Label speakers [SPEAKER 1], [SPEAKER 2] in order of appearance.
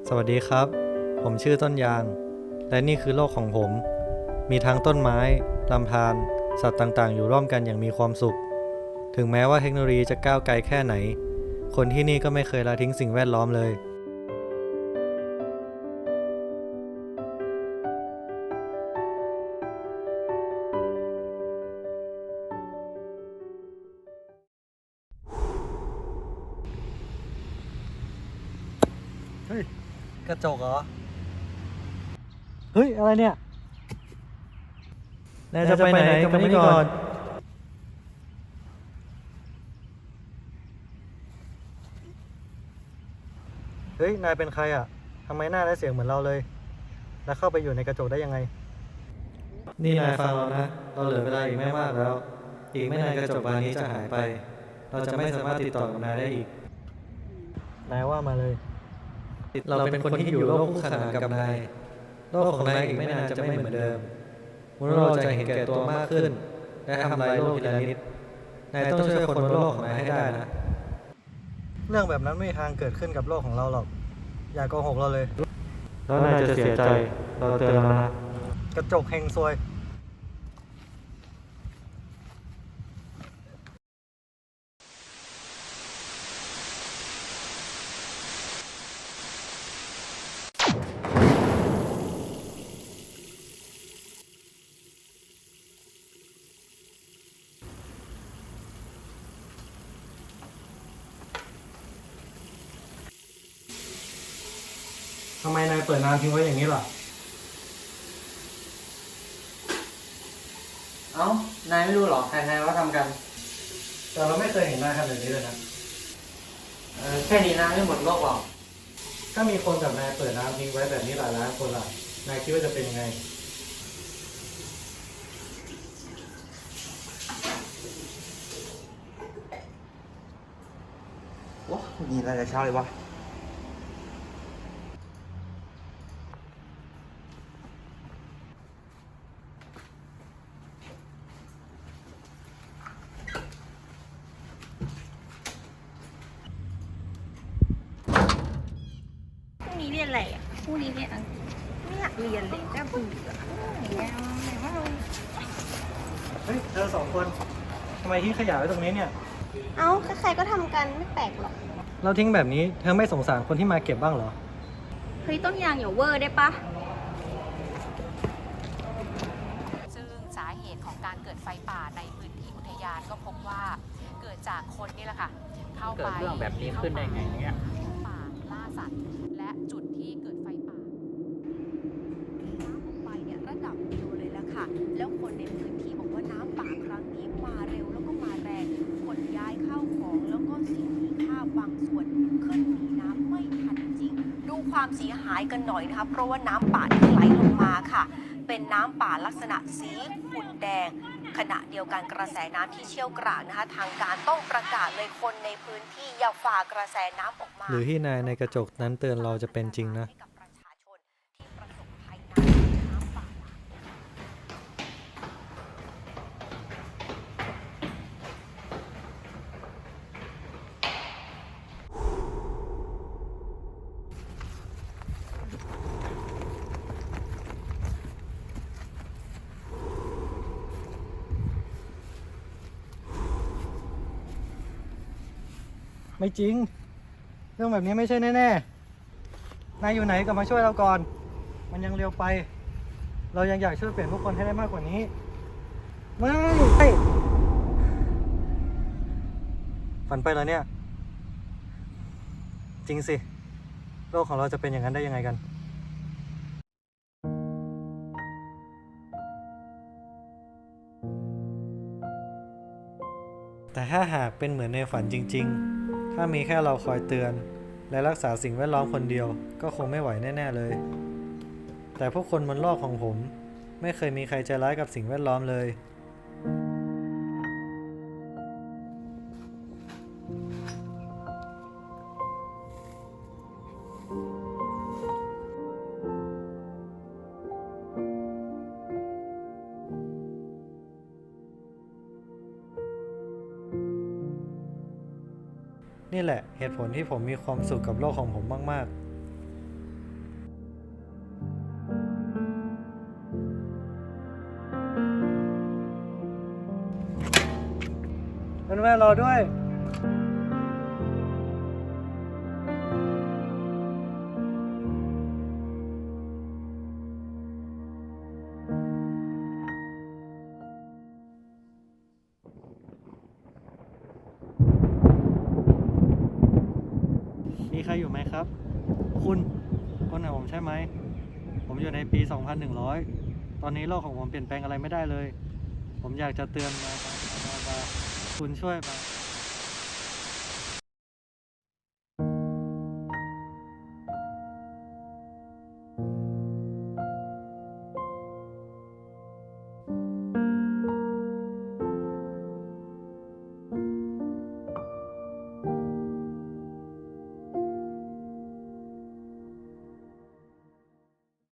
[SPEAKER 1] สวัสดีครับ ผมชื่อต้นยาง และนี่คือโลกของผม มีทั้งต้นไม้ ลำธาร สัตว์ต่างๆ อยู่ร่วมกันอย่างมีความสุข ถึงแม้ว่าเทคโนโลยีจะก้าวไกลแค่ไหน คนที่นี่ก็ไม่เคยละทิ้งสิ่งแวดล้อมเลย เฮ้ย กระจกเหรอ เฮ้ย อะไรเนี่ย นายจะไปไหนกลับมานี่ก่อน เฮ้ย นายเป็นใครอ่ะ ทำไมหน้าและเสียงเหมือนเราเลย แล้วเข้าไปอยู่ในกระจกได้ยังไง นี่นายฟังเรานะ เราเหลือเวลาอีกไม่มากแล้ว อีกไม่นานกระจกบานนี้จะหายไป เราจะไม่สามารถติดต่อกับนายได้อีก นายว่ามาเลย เราเป็นคนที่อยู่โลกคู่ขนานกับนาย โลกของนายอีกไม่นานจะไม่เหมือนเดิมมนุษย์เราจะเห็นแก่ตัวมากขึ้น และทำลายโลกทีละนิด นายต้องช่วยคนบนโลกของนายให้ได้นะ เรื่องแบบนั้นไม่มีทางเกิดขึ้นกับโลกของเราหรอก อย่าโกหกเราเลย แล้วนายจะเสียใจ เราเตือนแล้วนะ กระจกเฮงซวย ทำไมนายเปิดน้ำทิ้งไว้อย่างนี้ล่ะ
[SPEAKER 2] เอ้า นายไม่รู้หรอ ใครๆว่าทำกัน
[SPEAKER 1] แต่เราไม่เคยเห็นนายทำแบบนี้เลยนะ
[SPEAKER 2] แค่นี้นะไม่หมดโลกหรอก
[SPEAKER 1] ถ้ามีคนกับนายเปิดน้ำทิ้งไว้แบบนี้หลายล้านคนล่ะ นายคิดว่าจะเป็นยังไง
[SPEAKER 3] ว้ามีอะไรแต่เช้าเลยวะ
[SPEAKER 4] พรุ่งนี้เรียนอะไรอ่ะพรุ่งนี้เรียนอังกฤษไม่อยากเรียนเลยน่าเบื่ออย่างเงี้ยแต่ว่าเรา
[SPEAKER 1] เฮ้ย เธอสองคน ทำไมทิ้งขยะไว้ตรงนี้เนี่ย
[SPEAKER 4] เอ้าใครๆก็ทำกันไม่แปลกหรอก
[SPEAKER 1] เราทิ้งแบบนี้ เธอไม่สงสารคนที่มาเก็บบ้างเหรอ
[SPEAKER 4] เฮ้ยต้นยางอย่าเวอร์ได้ปะ
[SPEAKER 5] ซึ่งสาเหตุของการเกิดไฟป่าในพื้นที่อุทยานก็พบว่าเกิดจากคนนี่แหละค่ะ เข้าไป
[SPEAKER 2] เกิดเรื่องแบบนี้ขึ้นได้ไงเนี่ย
[SPEAKER 5] ป่าล่าสัตว์ และจุดที่เกิดไฟป่า
[SPEAKER 6] น้ำลงไปเนี่ยระดับเดียวเลยละค่ะ แล้วคนในพื้นที่บอกว่าน้ำป่าครั้งนี้มาเร็วแล้วก็มาแรงขนย้ายข้าวของแล้วก็สิ่งมีค่าบางส่วนขึ้นหนีน้ำไม่ทันจริง ดูความเสียหายกันหน่อยนะคะ เพราะว่าน้ำป่าที่ไหลลงมาค่ะ เป็นน้ำป่าลักษณะสีขุ่นแดง ขณะเดียวกันกระแสน้ำที่เชี่ยวกรากนะคะ ทางการต้องประกาศเลยคนในพื้นที่อย่าฝ่ากระแสน้ำออกมา
[SPEAKER 1] หรือที่นายในกระจกนั้นเตือนเราจะเป็นจริงนะ
[SPEAKER 6] ให้กับประชาชนที่ประสบภัยน้ำป่า
[SPEAKER 1] ไม่จริง เรื่องแบบนี้ไม่ใช่แน่ๆ นายอยู่ไหนกลับมาช่วยเราก่อน มันยังเร็วไป เรายังอยากช่วยเปลี่ยนผู้คนให้ได้มากกว่านี้ ไม่ฝันไปแล้วเนี่ย จริงสิ โลกของเราจะเป็นอย่างนั้นได้ยังไงกัน แต่ถ้าหากเป็นเหมือนในฝันจริงๆ ถ้ามีแค่เราคอยเตือน และรักษาสิ่งแวดล้อมคนเดียว ก็คงไม่ไหวแน่ๆเลย แต่พวกคนบนโลกของผม ไม่เคยมีใครใจร้ายกับสิ่งแวดล้อมเลย นี่แหละเหตุผลที่ผมมีความสุขกับโลกของผมมากๆแม่รอด้วย มีใครอยู่ไหมครับ คุณคนหาผมใช่ไหม ผมอยู่ในปี 2100 ตอนนี้โลกของผมเปลี่ยนแปลงอะไรไม่ได้เลย ผมอยากจะเตือนมาคุณช่วยมา